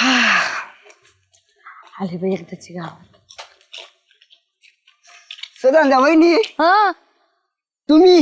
आली बाई एकदाची गावात. सुगंधा वहिनी हा तुम्ही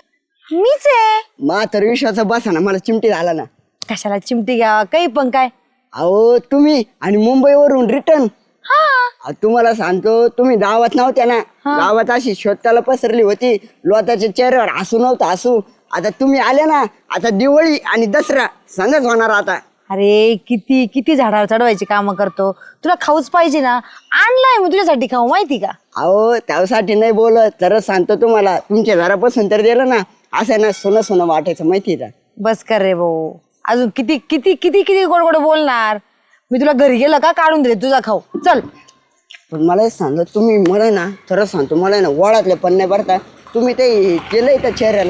मीच आहे. तर विश्वाचा बसा ना, मला चिमटी झाला ना. कशाला चिमटी घ्यावा काही पण काय. अहो तुम्ही आणि मुंबईवरून रिटर्न. तुम्हाला सांगतो, तुम्ही गावात नव्हत्या ना. गावात अशी शोधताला पसरली होती, लोकांच्या चेहऱ्यावर हसू नव्हतं हसू. आता तुम्ही आले ना, आता दिवाळी आणि दसरा सणच होणार आता. अरे किती किती झाडावर चढवायची कामं करतो. तुला खाऊच पाहिजे ना, आणलाय मी तुझ्यासाठी खाऊ माहिती का. अहो त्यासाठी नाही बोलत, तर सांगतो तुम्हाला, तुमच्या घरापासून तर दिलं ना, असं ना सोनं सोनं वाटायचं माहिती का. बस कर रे भाऊ, अजून किती किती किती किती गोड गोड बोलणार. मी तुला घरी गेलं का काढून दे तुझा खाऊ. चल. पण मला एक सांगा, तुम्ही मला ना खरंच सांगतो, मला ना वळातले पण नाही भरता. तुम्ही ते केलंय त्या चेहऱ्याला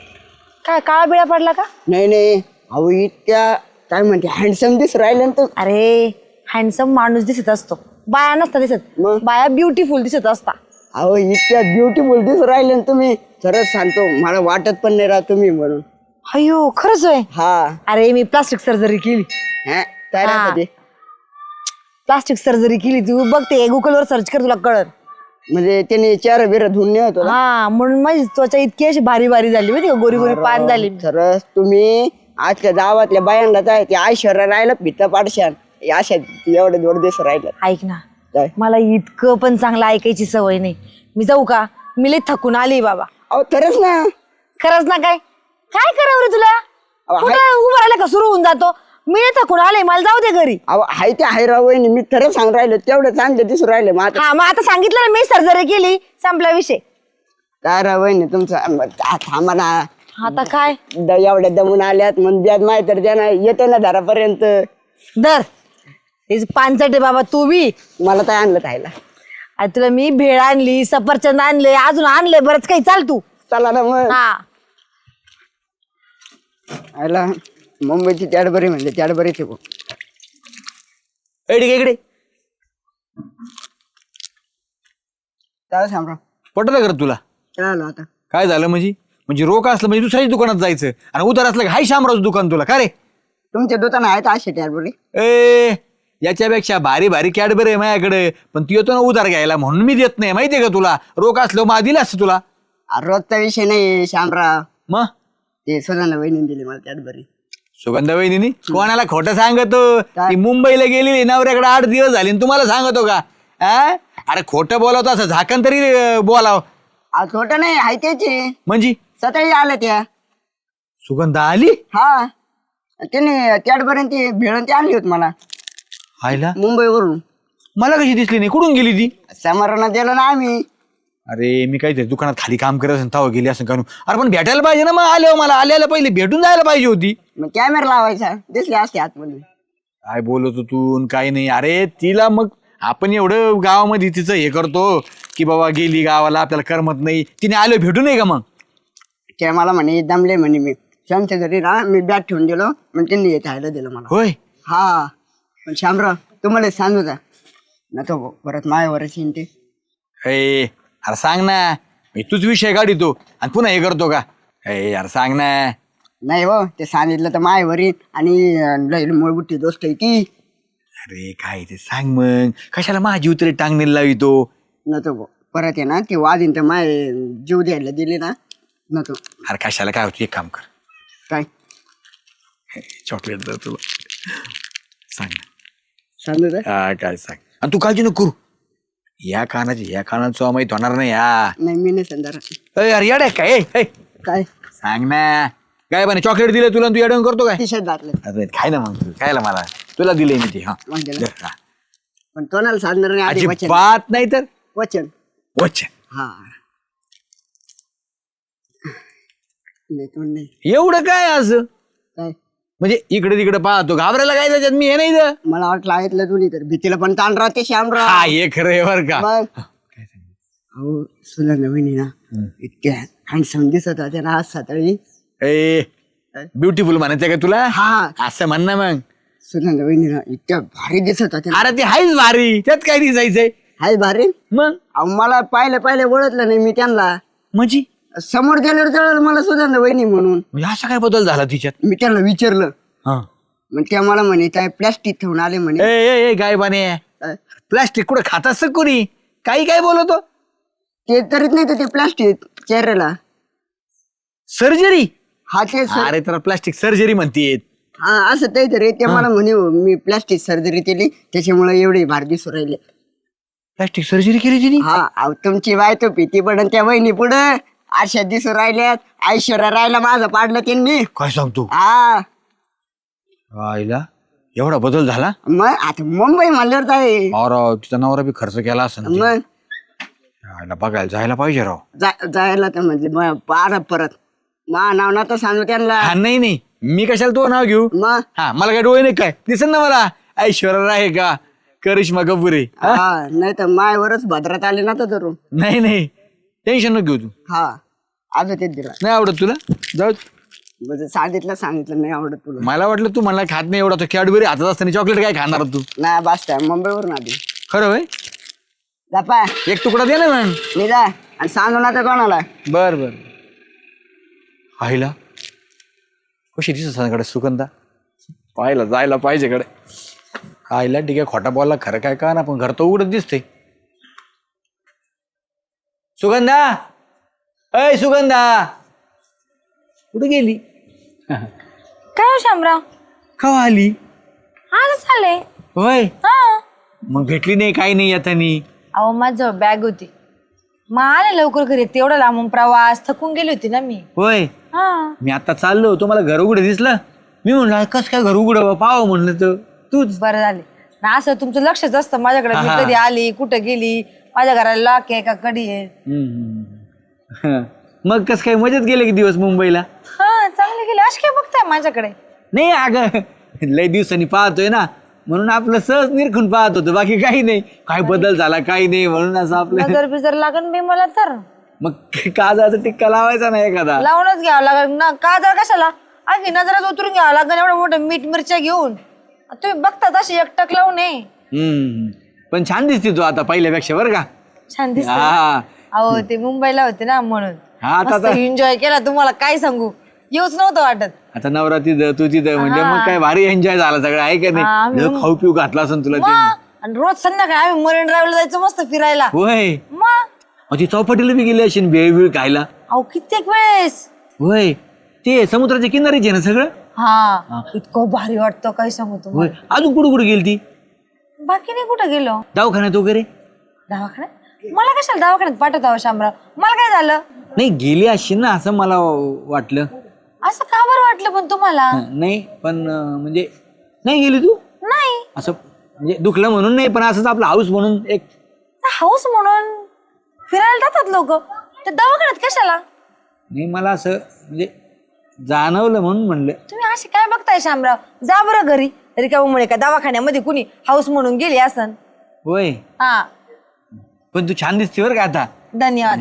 काय काळा बिळा पडला का. नाही नाही. अहो इतक्या काय म्हणते हँडसम दिस राहिले ना. अरे हँडसम माणूस दिसत असतो, बाया नसता दिसत. मग? बाया ब्युटिफुल दिसत असता. अहो इतक्या ब्युटिफुल दिस राहिले ना तुम्ही, खरंच सांगतो मला वाटत पण नाही राहा तुम्ही म्हणून. अयो खरंच आहे. हा. अरे मी प्लास्टिक सर्जरी केली. हा काय राहतं ते? प्लास्टिक सर्जरी केली. तू बघते गुगलवर सर्च कर, तुला कळत. म्हणजे त्याने चेहरा बिरा धुवून नाही होतो ना? हा म्हणून माझी त्वचा इतकी अशी भारी भारी झाली माहिती का, गोरी गोरी पान झाली. खरंच तुम्ही आजच्या गावातल्या बायांना जाय ते ऐश्वर्या राहिलं पित्त पाडशान अशा एवढे दोन दिवस राहिलं. ऐक ना, काय? मला इतकं पण चांगलं ऐकायची सवय नाही. मी जाऊ का, मी लई थकून आली बाबा. अहो खरंच ना. खरंच ना. काय काय करावं रे तुला. कुठं उभं राहिलं का सुरू होऊन जातो. मी लई थकून आले, मला जाऊ दे घरी. अहो हाय ते हाय राव वहिनी, मी खरंच सांग राहिलो, तेवढं चांगलं दिसून राहिले. मग आता हा मग आता सांगितलं ना मी सर्जरी केली, संपला विषय. काय राव वहिनी तुमचं थांबा ना. आता काय एवढ्या दमून आल्यात मग द्या माहिती तर द्या ना, येते ना दारापर्यंत. दर तेच पानचट आहे बाबा तू बी. मला काय आणलं खायला? आता तुला मी भेळ आणली, सफरचंद आणले, अजून आणले बरंच काही. चाल तू. चला ना मग. हा आयला मुंबईची कॅडबरी म्हणजे कॅडबरीच आहे. इकडे इकडे काय सांगा पटलं कर तुला. काय आलं आता? काय झालं म्हणजे रोख असलं म्हणजे दुसऱ्याच दुकानात जायचं आणि उधार असलं हाय शामरावचं दुकान तुला का रे. तुमच्या दुकान आहेत असे कॅडबरी? ए याच्यापेक्षा भारी भारी कॅडबरी आहे माझ्याकडे, पण तू येतो ना उधार घ्यायला म्हणून मी देत नाही. माहितीये का तुला, रोख असलं मग दिलं असतं तुला. रोजचा विषय नाही श्यामराव, मग ते सुगंधा वहिनी दिली मला कॅडबरी. सुगंधा वहिनी कोणाला खोटं सांगतो. काय? ती मुंबईला गेलेली नवऱ्याकडे 8 दिवस झाले आणि तुम्हाला सांगतो का. अरे खोटं बोलावतो असं झाकण तरी बोलाव. छोट नाही आहे त्याची. म्हणजे सकाळी आल्या त्या. सुगंधा आली हा त्याने कॅडबरी ती भेळून ती आणली होती मला आयला. मुंबईवरून. मला कशी दिसली नाही, कुठून गेली ती. समारोहात दिलं ना आम्ही. अरे मी काहीतरी दुकानात खाली काम करत असेल तेव्हा गेली असं कानू. अरे पण भेटायला पाहिजे ना, मग आल्यावर मला आल्याला पहिले भेटून जायला पाहिजे होती. मग कॅमेरा लावायचा, दिसले असते आतमध्ये. काय बोलतो तू काही नाही. अरे तिला मग आपण एवढं गावामध्ये तिचं हे करतो की बाबा गेली गावाला आपल्याला करमत नाही, तिने आलो भेटू नये का. मग ते मला म्हणे दमले म्हणे, मी श्यामच्या घरी ना मी बॅग ठेवून दिलो, मग त्यांनी येत राहायला दिलं मला. होय. हा पण श्यामराव तुम्हाला सांगू का ना, तो परत मायावरच येईन ते. अरे सांग ना, मी तूच विषय काढितो आणि पुन्हा हे करतो का. यार सांग ना. नाही हो, ते सांगितलं तर मायावर येईन आणि लई मूळबुट्टी दोस्त आहे ती. अरे काय ते सांग मग, कशाला माझी उतरी टांगणीला लावितो. नको परत आहे ना, ती वादीन तर माय जीव द्यायला दिली ना, नको. अरे कशाला, काय होतं एक काम कर, काय चॉकलेट दर तुला. सांग ना. सांगू का? काय सांग. आणि तू काळजी नको करू, या कानाचं माहित होणार नाही. नाही मी नाही संधार. अरे येड काय. काय सांग ना. काय बने चॉकलेट दिलं तुला, तू येडवून करतो काय. टी शर्ट घातलं. अरे खाय ना मग, तू खायला मला तुला दिले मी ते. हा पण कोणाला सांगणार नाही आधी. वचन बात नाही तर वचन वचन. हा नाही. एवढं काय असं काय म्हणजे इकडे तिकडे पाहतो, घाबरायला काय त्याच्यात. मी हे नाही तर मला वाटलं ऐकलं तुम्ही तर भीतीला पण ताण राहते श्यामराव. हा हे खरं आहे बरं का. मग अहो सुगंधा वहिनी ना इतक्या हँडसम दिसत होत्या ना आज सकाळी. ब्युटिफुल म्हणायचं का तुला. हा असं म्हण ना मग. सुगंधा वहिनी ना इतक्या भारी दिसत होत्या. अरे ते हायच भारी, त्यात काय दिसायचंय. हाय भारी. मग अहो मला पहिले ओळखलं नाही मी त्यांना. म्हणजे समोर गेल्यावर कळलं मला सुगंधा वहिनी म्हणून. असा काय बदल झाला तिच्यात. मी त्यांना विचारलं, हा मग ते मला म्हणे काय प्लॅस्टिक ठेवून आले म्हणे. ए गाय बाने प्लास्टिक कुठं खात असतं कोणी काही काय बोलतो. ते तरीच नाही तर ते प्लॅस्टिक चेहऱ्याला. सर्जरी हा ते अरे तर प्लास्टिक सर्जरी म्हणते. हा असं ते तरी ते मला म्हणे मी प्लॅस्टिक सर्जरी केली त्याच्यामुळे एवढे भार दिसू राहिले. प्लास्टिक सर्जरी केली तिने. हा अहो तुमची बायतो भीती पडन त्या बहिणी पुढं अशा दिसू राहिल्यात. ऐश्वर्या राहिला माझं पाडलं त्यांनी. काय सांगतो हा आईला एवढा बदल झाला. मग आता मुंबई म्हणल्यावर काय राव तिचा नवरा बी खर्च केला असं मग बघायला जायला पाहिजे राव. जायला तर म्हणजे पारा परत मा नाव ना तर सांगू त्यांना. हा नाही मी कशाला तो नाव घेऊ. मग हा मला काय डोळे नाही काय दिसन ना मला ऐश्वर्या राय का करिश्मा कपूर आहे. हा नाही तर मायवरच भद्रात आले ना तर धरून. नाही टेन्शन नको घेऊ तू. हा अजून तेच दिला नाही आवडत तुला जाऊ. म्हणजे सांगितलं नाही आवडत तुला. मला वाटलं तू मला खात नाही एवढा तो कॅडबरी हातात असताना चॉकलेट काय खाणार तू. नाही बास टाइम मुंबईवरून आधी. खरं होय जापा एक तुकडा दे ना मग. मी जा आणि सांगू ना तर कोणाला. बर आईला कशी दिसत कडे सुगंधा पाहायला जायला पाहिजे कडे. आईला ठीक आहे खोटा बोलला खरं काय का ना पण घर तो उघडत दिसते. सुगंधा अय सुगंधा कुठे गेली. काय हो शामराव कवा आली. आजच आले. होय हा मग भेटली नाही काही नाही येतानी. अहो माझं बॅग होती मग आले लवकर घरी. तेवढा लांबून प्रवास थकून गेली होती ना मी. होय हा मी आता चाललो तुम्हाला घर उघडं दिसलं. मी म्हणलं कस काय घर उघडं पाहावं म्हणलं तर तूच. बरं झाले ना असं तुमचं लक्षच असतं माझ्याकडे. मी हा. कधी आली कुठं गेली माझ्या घराला लॉक आहे का कडी आहे. मग कस काय मजेत गेले की दिवस मुंबईला. हा चांगले गेले. अशी काय बघताय माझ्याकडे. नाही अगं लय दिवसांनी पाहतोय ना म्हणून आपलं सहज निरखून पाहत होतं बाकी काही नाही. काय बदल झाला काही नाही म्हणून असं आपलं. नजर बिजर लागन बी मला तर मग काजाचा टिक्का लावायचा ना एखादा. लावूनच घ्यावं लागेल ना. का जर कशाला आगी नजरात उतरून घ्यावं लागेल एवढं मोठं मीठ मिरच्या घेऊन. तुम्ही बघता तशी एकटक लावून पण छान दिसते तू आता पहिल्यापेक्षा बरं का. छान दिसत. हा अहो ते मुंबईला होते ना म्हणून हा आता एन्जॉय केला. तुम्हाला काय सांगू येऊच नव्हतं वाटत. आता नवरा तिथं तू तिथं म्हणजे मग काय भारी एन्जॉय झाला सगळं आहे का नाही. खाऊ पिऊ घातला असं तुला ते. आणि रोज संध्याकाळी आम्ही मरीन ड्राईव्हला जायचो मस्त फिरायला. होय मग ती चौपाटीला बी गेली असेल भेळ बिळ खायला. अहो कित्येक वेळेस. होय ते समुद्राच्या किनारीच आहे ना सगळं. हा इतकं भारी वाटतं काय सांगू होय तुम्हाला. अजून कुठं गेली ती. बाकी नाही कुठं गेलो. दवाखान्यात वगैरे. दवाखान्यात मला कशाला दवाखान्यात पाठवता शामराव. मला काय झालं. नाही गेली असेल ना असं मला वाटलं. असं का बरं वाटलं पण तुम्हाला. नाही पण म्हणजे नाही गेली तू नाही असं म्हणजे दुखलं म्हणून नाही पण असंच आपलं हाऊस म्हणून एक. हाऊस म्हणून फिरायला जातात लोक ते दवाखान्यात कशाला. नाही मला असं म्हणजे जाणवलं म्हणून म्हणलं. तुम्ही असे काय बघताय शामराव. जा बरं घरी रिकामुळे का दवाखान्यामध्ये कुणी हाऊस म्हणून गेली असन. होय हा पण तू छान दिसते बरं का आता. धन्यवाद.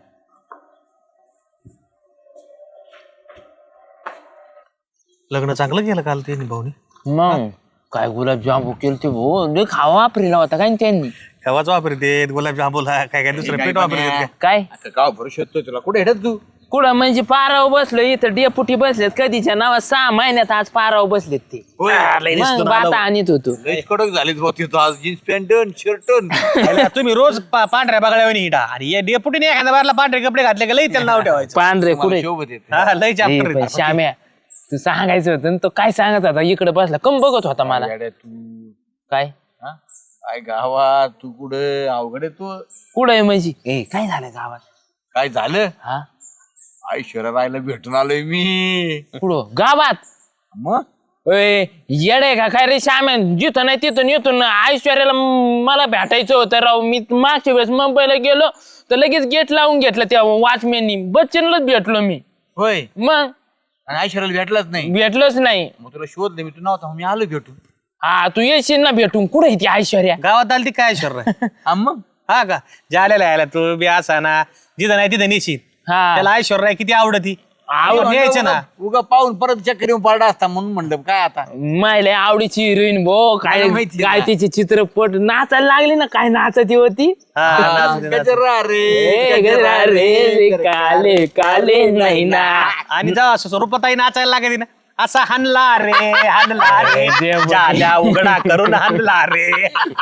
लग्न चांगलं केलं काल त्यांनी भाऊनी. मग काय गुलाबजाम केलं ते भाऊ खावा वापरेला होता काय त्यांनी. केव्हाच वापरते गुलाबजामुला काय काय दुसरं पीठ वापरते. काय गाव भरू शकतो तुला कुठे हेटत तू. कुठं म्हणजे पाराव बसलो इथं डेपुटी बसलेत कधीच्या नावात 6 महिन्यात आज पाराव बसलेत ते. मग बाता आणत होतो. कडक झालीच बहुती आज जीन्स पॅन्ट शर्ट. तुम्ही रोज पांढऱ्या बघायला निघा आणि या डेपुटीने एखाद्या बारला पांढरे कपडे घातले का लई त्याला नाव ठेवायचं. पांढरे कुठे हा, लई chapter आहे. श्याम्या तू सांगायचं होतं तो काय सांगत होता इकडे बसला कम बघत होता मला. तू काय काय गावात तू कुठं अवघड आहे तू. कुठं आहे म्हणजे काय झालं गावात. काय झालं. हा ऐश्वर्या रायला भेटून आलोय मी. कुठं गावात. मग येडे का काय रे श्याम्या जिथं नाही तिथं येतो ना. ऐश्वर्याला मला भेटायचं होतं राव. मी मागच्या वेळेस मुंबईला गेलो तर लगेच गेट लावून घेतलं त्या वॉचमॅननी. बच्चनलाच भेटलो मी. होय मग आणि ऐश्वर्याला भेटलाच नाही. भेटलोच नाही. मग तुला शोधलं मी तू नव्हता मी आलो भेटून. हा तू येशील ना भेटून. कुठे आहे ती ऐश्वर्या. गावात आली ती काय शर्र. मग हा का ज्याला यायला तू बी असा ना जिथं नाही तिथं नेशील. हा त्याला ऐश्वर्या किती आवडती न्यायचं ना. उगा पाहून परत चक्कर येऊन पडला असता म्हणून म्हणलं काय आता. मायला आवडीची हिरोईन भो काय मला माहिती काय ना. तिचे चित्रपट नाचायला लागली ना. काय नाचती होती. गजरा ए गजरा रे काले काले नाही ना. आणि जेव्हा स्वरूपाताई नाचायला लागायची ना असा हाणला रे हाणला रे जाल्या उघडा करून हाणला रे.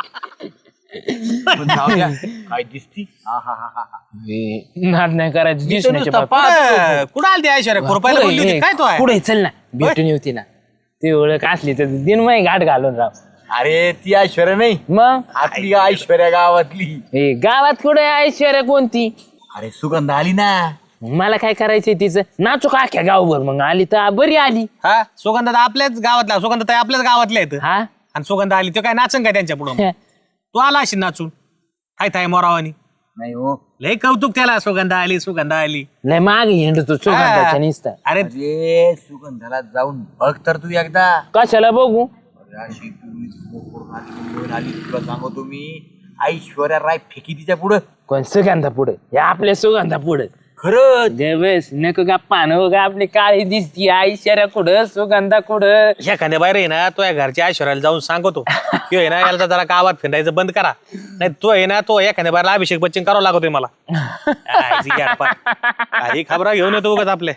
पण जाऊ द्या. काय दिसती नाद नाही करायचं दिसण्याच्या कुठं आलती ऐश्वर्या खुरपायला बोलली होती काय तो आहे पुढे चल ना भेटून येऊ तिला ती ओळख असली तर दिन मग घाट घालून राव. अरे ती ऐश्वर्या नाही मग आपली ऐश्वर्या गावातली. हे गावात कुठे ऐश्वर्या कोणती अरे सुगंध आली ना. मला काय करायचंय तिचं नाचू का अख्ख्या गावभर मग आली तर बरी आली. हा सुगंधा आपल्याच गावातला सुगंधा आपल्याच गावातल्या आहेत हा आणि सुगंधा आली तो काय नाचन काय त्यांच्या पुढं तू आला अशी नाचून काय थाय मोरावानी नाही हो. लय कौतुक त्याला सुगंधा आली लय मागे हिंडतो सुगंधाच्या निसता. अरे अरे सुगंधाला जाऊन बघ तर तू एकदा. कशाला बघू अरे अशी पूर्वी smoke करून आली, मुंबईहून आली. तुला सांगतो मी ऐश्वर्या राय फेकी तिच्या पुढं. कोण सुगंधा पुढे या आपल्या सुगंधा पुढे खरंच बस नको का पानं का आपली काळी दिसती ऐश्वर्या कुठं सुगंधा कुठं. एखाद्या बाहेर आहे ना तो या घरच्या ऐश्वर्याला जाऊन सांगतो की आहे ना याला जरा गावात फिरायचं बंद करा नाही तो आहे ना तो एखाद्या बाहेरला अभिषेक बच्चन करावं लागतोय मला. काही खबरा घेऊन येतो उगाच आपले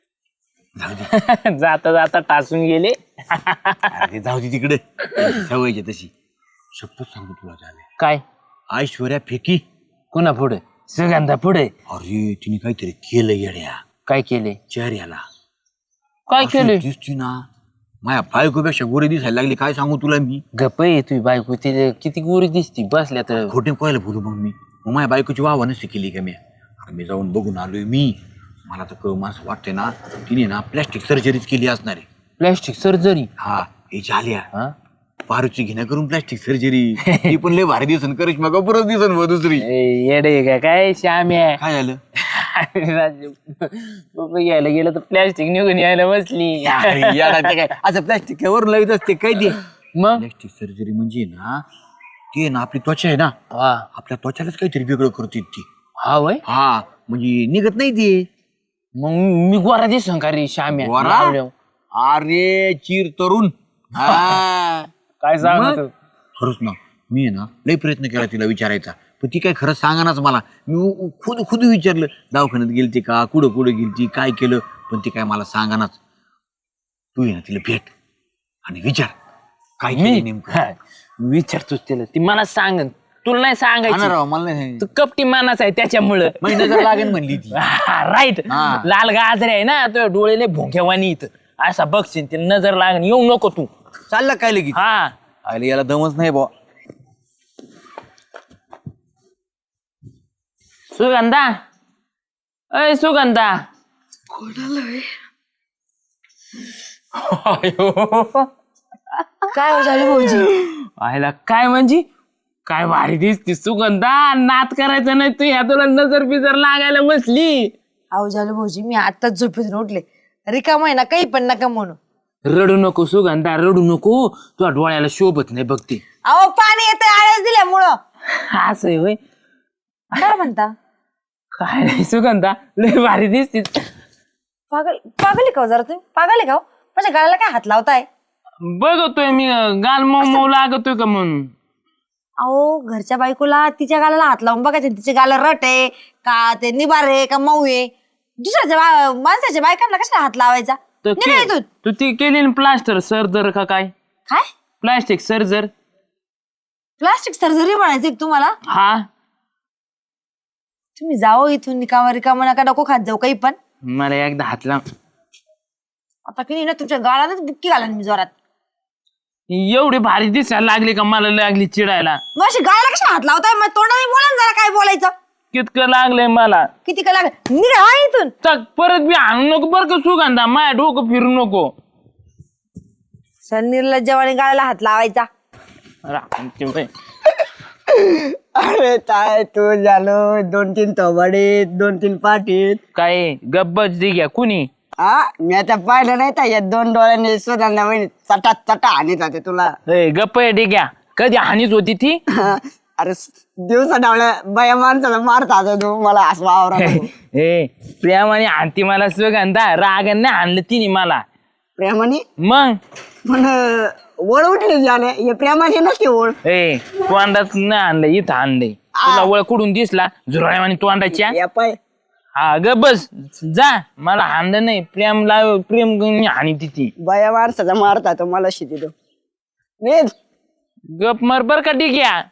जाता जाता टासून गेले. अरे जाऊ दे तिकडे सवयची तशी. शपथ सांगतो तुला झाले काय ऐश्वर्या फेकी. कुणा पुढे सुगंधा पुढे. अरे तिने काहीतरी केलं येड्या काय केले चेहऱ्याला. काय केले दिसती ना माझ्या बायकोपेक्षा गोरी दिसायला लागली. काय सांगू तुला मी. गप आहे तुझी बायको तिला किती गोरी दिसती बसल्या तर. खोटे कोयला बोलू मग मी. मग माझ्या बायकोची वाह नसती केली का मी. अरे मी जाऊन बघून आलोय मी. मला तर असं वाटतंय ना तिने ना प्लॅस्टिक सर्जरीच केली असणार आहे. Plastic surgery. हा हे झाल्या हा पारूची घेण्या करून प्लॅस्टिक सर्जरी. ती पण लय भारी दिसन करिश्मा कपूरच दिसन व दुसरी. येडे का काय श्याम्या काय झालं घ्यायला गेलं तर प्लॅस्टिक निघून यायला बसली. अरे येडा ते काय असं प्लॅस्टिक वरून लावित असते काय ते. मग प्लॅस्टिक सर्जरी म्हणजे ना ते ना आपली त्वचा आहे ना हा आपल्या त्वचालाच काहीतरी वेगळं करते ती. हा वय हा म्हणजे निघत नाही ते. मग मी गोरा दिसन का रे श्याम्या गोरा? लावल्यावर. अरे चिर तरुण. हा काय सांगत खरंच ना मी आहे ना लय प्रयत्न केला तिला विचारायचा पण ती काय खरंच सांगानाच मला. मी खुद विचारलं दवाखान्यात गेलती का कुठं गेलती काय केलं पण ती काय मला सांगानाच. तू ये ना तिला भेट आणि विचार काय केलं नेमकं. हा, विचारतोच तिला ती मला सांगन तुला नाही हा ना सांगायची. राव मला नाही तू कपटी मानाच आहे त्याच्यामुळं. महिना जर लागेल म्हणली ती. राईट हा. लाल गाजरे आहे ना तो डोळेले भोंक्यावानी इथं असा बघशील ते नजर लागन येऊ नको तू. चाललं काय लगेच. हा आले याला दमच नाही बा. सुगंधा अय सुगंधा काय हो झाली भाऊजी. आयला काय म्हणजे काय भारी दिसती सुगंधा. नात करायचं नाही तू ह्या तुला नजर बिजर लागायला बसली. अहो झालं भाऊजी मी आत्ताच झोपेतून उठले. रिकाम आहे ना काही पण नका म्हणू. रडू नको सुगंधा रडू नको तुझ्या डोळ्याला शोभत नाही बघते. अहो पाणी येतं आळस दिल्यामुळं. असं आहे होय. काय म्हणता काय नाही सुगंधा लय भारी दिसतीस. पागल आहे का हो जरा तुम्ही. पागल आहे का हो. माझ्या गाळाला काय हात लावताय. बघतोय मी गाल मऊ लागतोय का म्हणून. अहो घरच्या बायकोला तिच्या गालाला हात लावून बघायचं तिच्या गाला रट आहे का ते निबार आहे का मऊ आहे. दुसऱ्याच्या माणसाच्या बायकांना कशाला हात लावायचा. तर निघा इथून. तू ती केली ना प्लास्टर सर्जर का काय काय प्लास्टिक सर्जर. प्लास्टिक सर्जरी म्हणायचं का तुम्हाला. हा तुम्ही जाओ इथून रिकामा नका नको खात जाऊ काही पण. मला एकदा हात लाव. आता की नाही ना तुमच्या गाळालाच बुक्की घाला मी जोरात. एवढी भारी दिसायला लागली का मला लागली चिडायला. मग अशी गाळाला कशा हात लावताय. मग तोंडाने बोला ना जरा काय बोलायचं. कितकं लागलंय मला. किती का लागत निघा हा इथून. तर परत बी आणू नको बरं का सुगंधा माया डोकं फिरू नको. सर निर्लज्जवाने गाळाला हात लावायचा. अरे काय तू झालो 2-3 थोबाडीत 2-3 पाठीत. काय गब्बच दिघ्या कुणी. हा मी आता पाहिलं नाही तर या 2 डोळ्यांनी सुधांना वहिनी चटा हानीत होते तुला. गप्प आहे डिग्या कधी हानीच होती ती. अरे दिवसा डावल्या बाया माणसाला मारत होता तू मला असं वावरा. ए प्रेमाने आणती मला सुगंधा रागाने नाही आणलं तिने मला. प्रेमाने मग पण ओळ उठली झाले हे प्रेमाची नसते ओळ. ए तोंडात नाही आणलं इथं आणलंय. तुला वळ कुठून दिसला झुरळ्यावानी तोंडाच्या. या पाय हा ग बस जा, मला हाणलं नाही. प्रेम लाव, प्रेम आणि तिथे बाया माणसाचा मारता तो मला शिटी तो नीट. गप मर बर का ठीक आहे.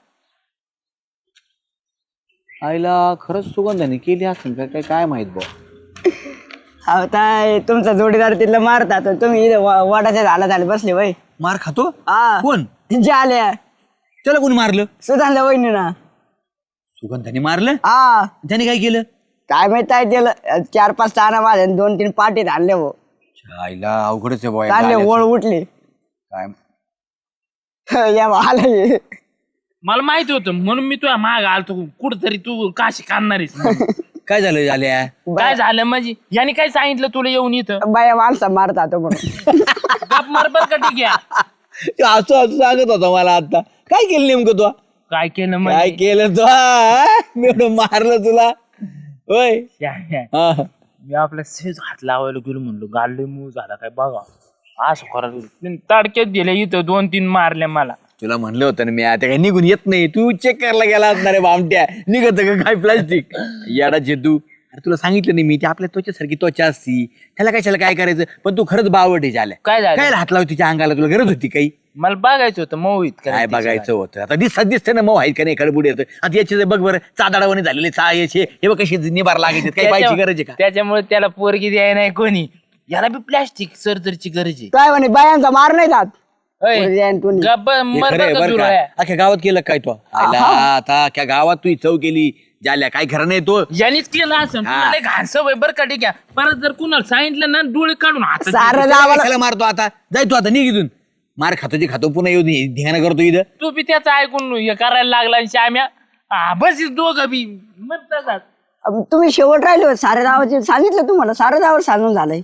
आईला खरंच सुगंधाने केली असेल का काय काय माहित भाऊ. अहो ताई तुमचा जोडीदार तिथलं मारता तर तुम्ही इथे वडाच्या झाडात बसले वय. मार खातो हा कोण? जे आल्या त्याला कोणी मारलं? सुधारलं वहिनी ना. सुगंधाने मारलं? हा त्याने काय केलं? काय माहित आहे त्याला 4-5 ताना माझ्या 2-3 पाटीत आणले हो. आईला अवघडच आहे बुवा. चालले ओळ उठली काय या आलं. मला माहिती होतं म्हणून मी तुझ्या माग आलतो. कुठतरी तू काशी काढणारीस म्हणून. काय झालं झाल्या? काय झालं म्हणजे याने काय सांगितलं तुला येऊन इथं? बाया माणसा मारता तो म्हणून. गप मर बर का ठीक आहे. असं असं सांगत होता मला आता. काय केलं नेमकं तू? काय केलं काय म्हणजे? केलं तू? मी एवढं मारलं तुला होय? हा. मी आपल्या सहज हात लावायला गेलो म्हणलो गाडले मूळ झाला काय बघा. असं करायला तडक्यात दिले इथं 2-3 मारल्या मला. तुला म्हणलं होतं ना मी आता काय निघून येत नाही. तू चेक करायला गेला असणार आहे बामट्या. निघत का काय प्लास्टिक याडाचे तू? अरे तुला सांगितलं नाही मी ते आपल्या त्वचेसारखी त्वचा असती. त्याला कशाला काय करायचं? पण तू खरंच बावटे झाल्या. काय झालं? काय हात लावती तिच्या अंगाला? तुला गरज होती काही? मला बघायचं होतं मऊ काय बघायचं होतं? आता दिसते ना मऊ आहेत का नाही खडबुड येतं. आता याचे बघ बरं चादाडावणी झालेले याचे हे बघ कशी निभार लागायचे. काही पाहिजे गरज आहे का? त्याच्यामुळे त्याला पोरगी द्याय नाही कोणी. याला बी प्लॅस्टिक सर्जरीची गरज आहे. काय म्हणे बायांचा मार नाही जात. अय, गप्प हे मर खरं आहे बरं का बरं सुरू का? आहे. अख्ख्या गावात केलं काय तो? आयला आता अख्ख्या गावात तू चव केली झाल्या. काय खरं नाही तो. यांनीच केलं असं तुला लय घाण सवय बरं का ठीक आहे. परत जर कुणाला सांगितलं ना डोळे काढून हातात सारं त्याला गावाला कशाला मारतो आता? जाय तू आता निघ इथून. मार खातो जे खातो पुन्हा येऊन ध्यान करतो इथं. तू बी त्याचं ऐकून हे करायला लागला आणि श्याम्या बस दोघं बी मरतात. तुम्ही शेवट राहिले होते सारे गावाचे सांगितलं तुम्हाला. सारं गावावर सांगून झालंय.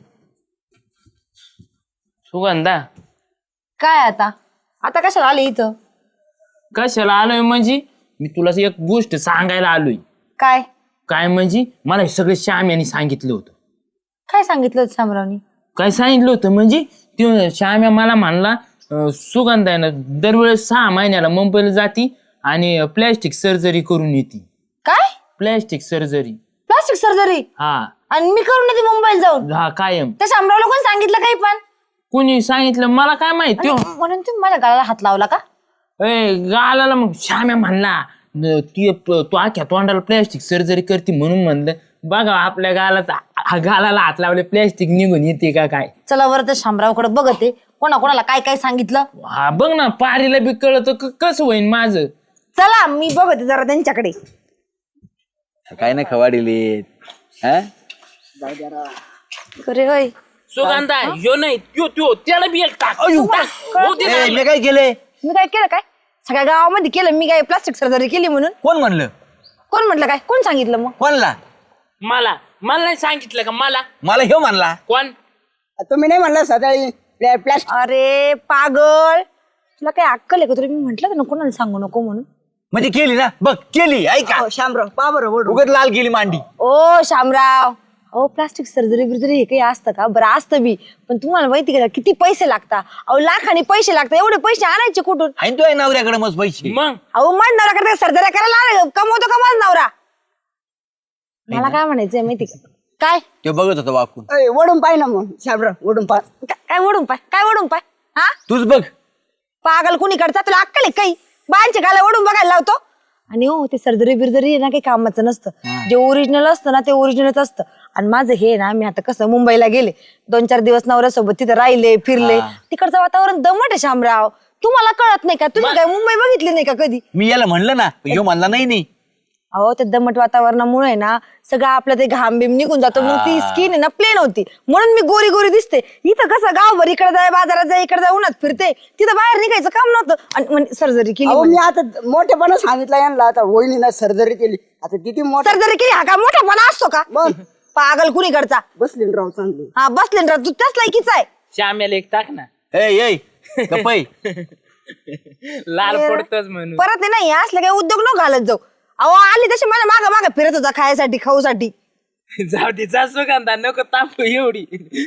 सुगंधा काय आता आता कशाला आले इथं? कशाला आलोय म्हणजे मी तुला एक गोष्ट सांगायला आलोय. काय काय म्हणजे मला हे सगळं श्याम्याने सांगितलं होतं. काय सांगितलं होतं शामरावनी? काय सांगितलं होतं म्हणजे ते श्याम्या मला म्हणला सुगंधा आहे ना दरवेळेस 6 महिन्याला मुंबईला जाती आणि प्लॅस्टिक सर्जरी करून येते. काय प्लॅस्टिक सर्जरी? Plastic surgery? हा आणि मी करून येते मुंबईला जाऊन? हा कायम. त्या शामरावला कोण सांगितलं काही पण? कोणी सांगितलं मला काय माहिती. म्हणून तुम्ही माझ्या गालाला हात लावला का? गालाला मग श्याम्या म्हणला तू अख्या तोंडाला प्लॅस्टिक सर्जरी करते म्हणून म्हणलं बघा आपल्या गालाला हात लावले प्लॅस्टिक निघून येते का काय. चला बरं तर शामरावकडे बघते कोणाला काय काय सांगितलं. हा बघ ना पारीला बी कळत कसं होईन माझं. चला मी बघते जरा त्यांच्याकडे. काय नाही खवाडीले. अरे होय सुगंधा ह्यो नाही त्यो त्याला बी एक टाक. हो दे ना. मी काय केलंय? मी काय केलं काय? सगळ्या गावामध्ये केलं मी काय प्लास्टिक सर्जरी केली म्हणून? कोण म्हणलं? कोण म्हटलं काय? कोण सांगितलं मग? कोणला? मला नाही सांगितलं का? मला ह्यो म्हणला. कोण? तुम्ही नाही म्हणलं सकाळी प्लॅस्टिक. अरे पागल तुला काय अक्कल आहे का? तुला मी म्हंटल ना कोणाला सांगू नको म्हणून. म्हणजे केली ना बघ केली. ऐका शामराव पा बरं ओढ. उगत लाल केली मांडी. ओ शामराव अहो प्लास्टिक सर्जरी बिर्जरी हे काही असतं का? बरं असतं बी पण तुम्हाला माहिती का किती पैसे लागतात? अहो लाखाने पैसे लागतात. एवढे पैसे आणायचे कुठून? आहे तो नवऱ्याकडे मस्त पैसे. मग अहो माझ नवरा करता सर्जरी करायला कमवतो का माझ नवरा? मला काय म्हणायचंय माहिती का? काय ते बघत होता वाकून. ओढून पाय ना मग शामराव ओढून पाय. काय ओढून पाय? काय ओढून पाय? हा तूच बघ. पागल कुणी करता? तुला अक्कल आहे काही? बायांच्या गाला ओढून बघायला लावतो. आणि हो ते सर्जरी बिर्जरी ना काही कामाचं नसतं. जे ओरिजिनल असतं ना ते ओरिजिनलच असतं. आणि माझं हे ना मी आता कसं मुंबईला गेले 2-4 दिवस नवऱ्यासोबत तिथे राहिले फिरले. तिकडचं वातावरण दमट आहे शामराव. तुम्हाला कळत नाही का? तुम्ही काय मुंबई बघितली नाही का कधी? मी याला म्हणलं ना ह्यो म्हणला नाही. अहो ते दमट वातावरणामुळे ना सगळं आपलं ते घाम बिम निघून जातो. मग ती स्किन आहे ना प्लेन होती म्हणून मी गोरी गोरी दिसते. इथं कसं गावभर इकडे जाय बाजारात जाय इकडे जाय उन्हात फिरते. तिथं बाहेर निघायचं काम नव्हतं आणि सर्जरी केली. अहो मी आता मोठेपणा सांगितलं यांना. आता वहिनीनं सर्जरी केली. आता किती मोठं सर्जरी केली हा का मोठापणा असतो का? पागल कुणी करता? बसली राव चांगली. हा बसले ना तू त्याच लायकीचा आहे. श्याम्याला एक टाक ना. ए गप्पै. लाल पडतच म्हणून. परत आहे नाही असले काही उद्योग न घालत जाऊ. अहो आली तशी माझ्या मागं मागं फिरत होता खायसाठी खाऊसाठी. जाऊ दे जा सुगंधा नको तापू एवढी.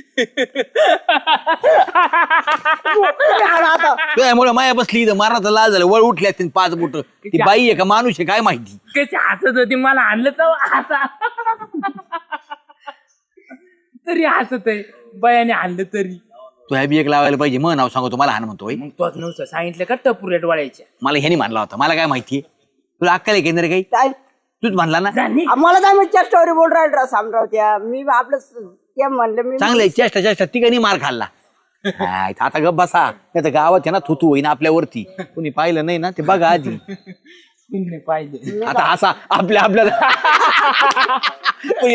त्यामुळे माया बसली इथं मारता लाल झालं. वळ उठल्या 5 बोट. ती बाई आहे का माणूस आहे काय माहिती? कशी हसत होती मला आणलं तर आता तरी हसत आहे बयाने आणलं तरी. तू ह्या बी एक लावायला पाहिजे मग नाव सांगतो मला हान म्हणतोय. मग तोच नव्हतं सांगितलं का टपुऱ्या डोळ्याच्या. मला ह्यानी मानला होता मला काय माहितीये तुला अक्कल आहे केंद्र काही काय तूच म्हणला ना. मला काय मी स्टोरी बोल राहिला सामराव त्या मी आपलं ते म्हणलं मी चांगलं चेष्टा तिघांनी मार खाल्ला. हाय, आता गप बसा नाही तर गावात आहे ना थुतू होईना आपल्यावरती कोणी पाहिलं नाही ना ते बघा आधी. पाहिजे आता असा आपल्या